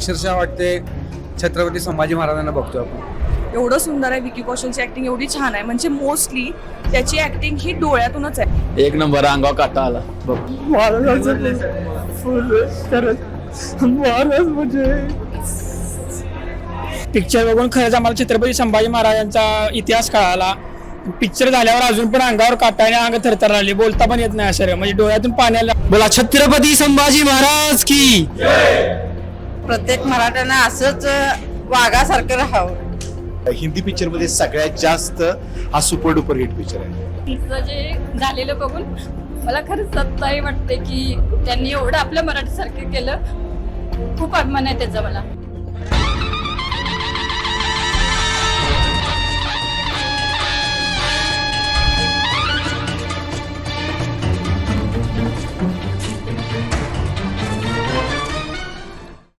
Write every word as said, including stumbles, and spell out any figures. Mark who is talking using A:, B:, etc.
A: अक्षरशः वाटते छत्रपती संभाजी महाराजांना बघतो आपण.
B: एवढं सुंदर आहे. विकी कौशलची ऍक्टिंग एवढी छान आहे, म्हणजे मोस्टली त्याची ऍक्टिंग ही डोळ्यातूनच आहे.
C: एक नंबर अंगावर काटा आला बघ.
D: पिक्चर बघून खरंच आम्हाला छत्रपती संभाजी महाराजांचा इतिहास कळाला. पिक्चर झाल्यावर अजून पण अंगावर काटा आणि अंग थरथर आले, बोलता पण येत नाही असं, म्हणजे डोळ्यातून पाण्याला.
C: बोला छत्रपती संभाजी महाराज की.
E: प्रत्येक मराठ्यानं असंच वाघासारखं राहावं.
F: हिंदी पिक्चर मध्ये सगळ्यात जास्त हा सुपर डुपर हिट पिक्चर आहे.
G: तिचं जे झालेलं बघून मला खरंच सत्ताही वाटते की त्यांनी एवढं आपल्या मराठीसारखं केलं. खूप अभिमान आहे त्याचा मला.